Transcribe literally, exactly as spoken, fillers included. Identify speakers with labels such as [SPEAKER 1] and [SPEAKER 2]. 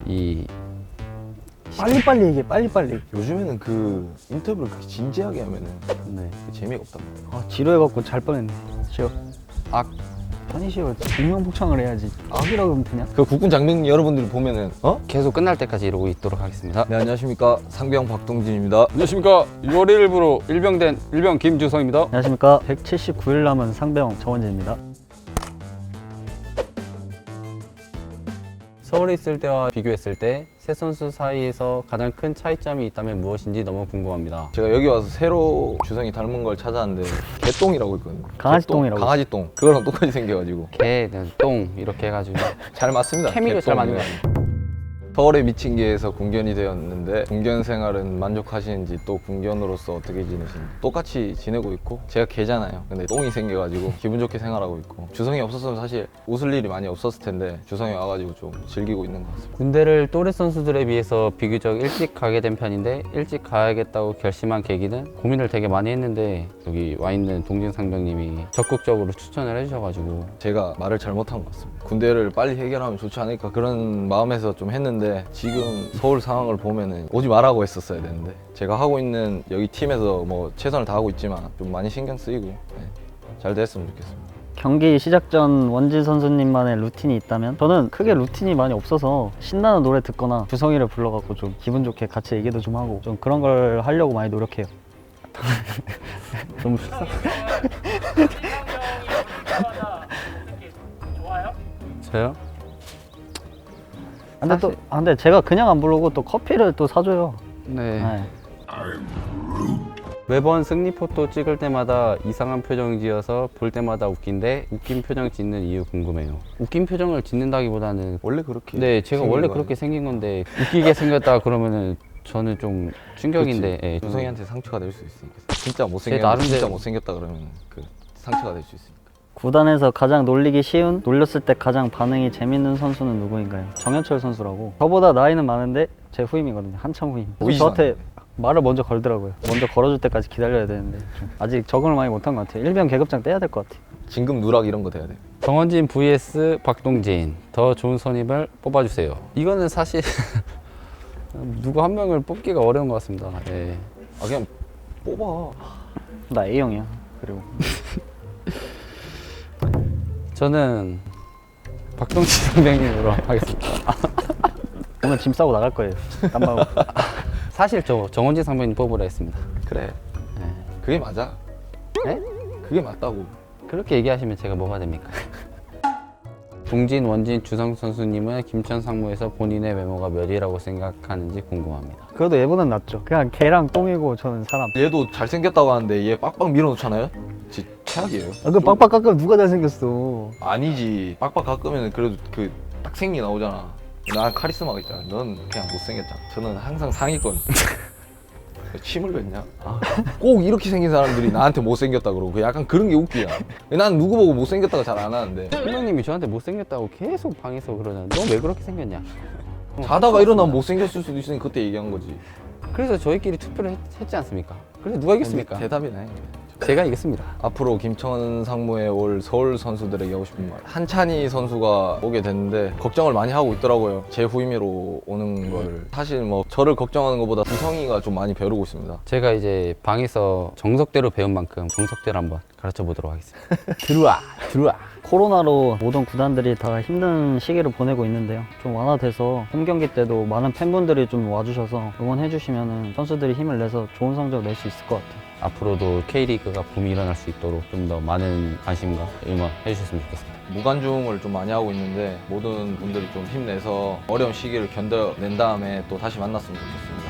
[SPEAKER 1] 이
[SPEAKER 2] 빨리빨리 얘기해, 빨리빨리.
[SPEAKER 3] 요즘에는 그 인터뷰를 그렇게 진지하게 하면은
[SPEAKER 1] 네.
[SPEAKER 3] 재미가 없단 말이야.
[SPEAKER 2] 아, 지루해갖고 잘 뻔했네. 쉬어.
[SPEAKER 1] 악.
[SPEAKER 2] 아니, 쉬어. 공명복창을 해야지. 악이라고 하면 되냐?
[SPEAKER 3] 그 국군 장병 여러분들이 보면은 어?
[SPEAKER 1] 계속 끝날 때까지 이러고 있도록 하겠습니다.
[SPEAKER 3] 네, 안녕하십니까, 상병 박동진입니다.
[SPEAKER 1] 안녕하십니까. 유월 일 일부로 일병된 일병 김주성입니다.
[SPEAKER 2] 안녕하십니까. 백칠십구 일 남은 상병 정원재입니다.
[SPEAKER 1] 서울에 있을 때와 비교했을 때 세 선수 사이에서 가장 큰 차이점이 있다면 무엇인지 너무 궁금합니다.
[SPEAKER 3] 제가 여기 와서 새로 주성이 닮은 걸 찾아왔는데 개똥이라고 있거든요.
[SPEAKER 2] 강아지
[SPEAKER 3] 개똥,
[SPEAKER 2] 똥이라고.
[SPEAKER 3] 강아지 똥. 그거랑 똑같이 생겨가지고
[SPEAKER 1] 개는 똥 이렇게 해가지고
[SPEAKER 3] 잘 맞습니다.
[SPEAKER 1] 케미도 잘 맞는 거
[SPEAKER 3] 개똥이랑.
[SPEAKER 1] 같아요.
[SPEAKER 3] 서울에 미친 게에서 군견이 되었는데 군견 생활은 만족하시는지, 또 군견으로서 어떻게 지내시는지. 똑같이 지내고 있고, 제가 개잖아요. 근데 똥이 생겨가지고 기분 좋게 생활하고 있고, 주성이 없었으면 사실 웃을 일이 많이 없었을 텐데 주성이 와가지고 좀 즐기고 있는 것 같습니다.
[SPEAKER 1] 군대를 또래 선수들에 비해서 비교적 일찍 가게 된 편인데 일찍 가야겠다고 결심한 계기는 고민을 되게 많이 했는데 여기 와 있는 동진 상병님이 적극적으로 추천을 해주셔가지고
[SPEAKER 3] 제가 말을 잘못한 것 같습니다. 군대를 빨리 해결하면 좋지 않을까 그런 마음에서 좀 했는데, 지금 서울 상황을 보면은 오지 말라고 했었어야 되는데, 제가 하고 있는 여기 팀에서 뭐 최선을 다하고 있지만 좀 많이 신경 쓰이고 네, 잘 됐으면 좋겠습니다.
[SPEAKER 2] 경기 시작 전 원진 선수님만의 루틴이 있다면 저는 크게 루틴이 많이 없어서 신나는 노래 듣거나 주성이를 불러갖고 좀 기분 좋게 같이 얘기도 좀 하고 좀 그런 걸 하려고 많이 노력해요. 너무 식사.
[SPEAKER 1] 저요?
[SPEAKER 2] 근데 또 아, 근데 제가 그냥 안 부르고 또 커피를 또 사줘요.
[SPEAKER 1] 네.
[SPEAKER 2] 네.
[SPEAKER 1] 매번 승리 포토 찍을 때마다 이상한 표정 지어서 볼 때마다 웃긴데 웃긴 표정 짓는 이유 궁금해요. 웃긴 표정을 짓는다기보다는
[SPEAKER 3] 원래 그렇게
[SPEAKER 1] 네, 제가
[SPEAKER 3] 생긴
[SPEAKER 1] 원래
[SPEAKER 3] 거
[SPEAKER 1] 그렇게 생긴 건데 웃기게 생겼다 그러면은 저는 좀 충격인데 예,
[SPEAKER 3] 주성이한테 상처가 될 수 있으니까. 진짜
[SPEAKER 1] 제
[SPEAKER 3] 못생겼다
[SPEAKER 1] 나름대로-
[SPEAKER 3] 진짜 못생겼다 그러면 그 상처가 될 수 있으니까.
[SPEAKER 2] 구단에서 가장 놀리기 쉬운, 놀렸을 때 가장 반응이 재밌는 선수는 누구인가요? 정현철 선수라고. 저보다 나이는 많은데 제 후임이거든요. 한참 후임.
[SPEAKER 3] 보이지도
[SPEAKER 2] 저한테
[SPEAKER 3] 않는데.
[SPEAKER 2] 말을 먼저 걸더라고요. 먼저 걸어줄 때까지 기다려야 되는데 좀 아직 적응을 많이 못한 것 같아요. 일병 계급장 떼야 될 것 같아요.
[SPEAKER 3] 진급 누락 이런 거 돼야 돼.
[SPEAKER 1] 정원진 vs 박동진 더 좋은 선임을 뽑아주세요. 이거는 사실 누구 한 명을 뽑기가 어려운 것 같습니다. 예.
[SPEAKER 3] 아 그냥 뽑아.
[SPEAKER 2] 나 A형이야. 그리고
[SPEAKER 1] 저는 박동진 선배님으로 하겠습니다.
[SPEAKER 2] 오늘 짐 싸고 나갈 거예요. 땀방울.
[SPEAKER 1] 사실 저 정원진 상병님 뽑으라 했습니다.
[SPEAKER 3] 그래.
[SPEAKER 1] 예.
[SPEAKER 3] 그게 맞아.
[SPEAKER 1] 네?
[SPEAKER 3] 그게 맞다고.
[SPEAKER 1] 그렇게 얘기하시면 제가 뭐가 됩니까? 동진, 원진, 주성 선수님은 김천 상무에서 본인의 외모가 몇이라고 생각하는지 궁금합니다.
[SPEAKER 2] 그래도 얘보단 낫죠. 그냥 개랑 똥이고 저는 사람.
[SPEAKER 3] 얘도 잘생겼다고 하는데 얘 빡빡 밀어놓잖아요? 진짜 최악이에요.
[SPEAKER 2] 아, 그 빡빡 깎으면 누가 잘생겼어.
[SPEAKER 3] 아니지. 빡빡 깎으면 그래도 그 딱생기 나오잖아. 난 카리스마가 있잖아. 넌 그냥 못생겼잖아. 저는 항상 상위권. 침을 뱉냐? 아, 꼭 이렇게 생긴 사람들이 나한테 못생겼다 그러고 약간 그런 게 웃기야. 난 누구 보고 못생겼다고 잘 안 하는데
[SPEAKER 1] 선배님이 저한테 못생겼다고 계속 방에서 그러잖아요. 너 왜 그렇게 생겼냐?
[SPEAKER 3] 자다가 일어나면 못생겼을 수도 있으니 그때 얘기한 거지.
[SPEAKER 1] 그래서 저희끼리 투표를 했, 했지 않습니까? 그래서 누가 이겼습니까?
[SPEAKER 3] 대답이네.
[SPEAKER 1] 제가 이겼습니다.
[SPEAKER 3] 앞으로 김천 상무에 올 서울 선수들에게 하고 싶은 말. 한찬희 선수가 오게 됐는데 걱정을 많이 하고 있더라고요. 제 후임으로 오는 걸. 사실 뭐 저를 걱정하는 것보다 주성이가 좀 많이 벼르고 있습니다.
[SPEAKER 1] 제가 이제 방에서 정석대로 배운 만큼 정석대로 한번 가르쳐 보도록 하겠습니다. 들어와, 들어와.
[SPEAKER 2] 코로나로 모든 구단들이 다 힘든 시기를 보내고 있는데요. 좀 완화돼서 홈 경기 때도 많은 팬분들이 좀 와주셔서 응원해 주시면 선수들이 힘을 내서 좋은 성적 낼 수 있을 것 같아요.
[SPEAKER 1] 앞으로도 K리그가 붐이 일어날 수 있도록 좀 더 많은 관심과 응원 해주셨으면 좋겠습니다.
[SPEAKER 3] 무관중을 좀 많이 하고 있는데 모든 분들이 좀 힘내서 어려운 시기를 견뎌낸 다음에 또 다시 만났으면 좋겠습니다.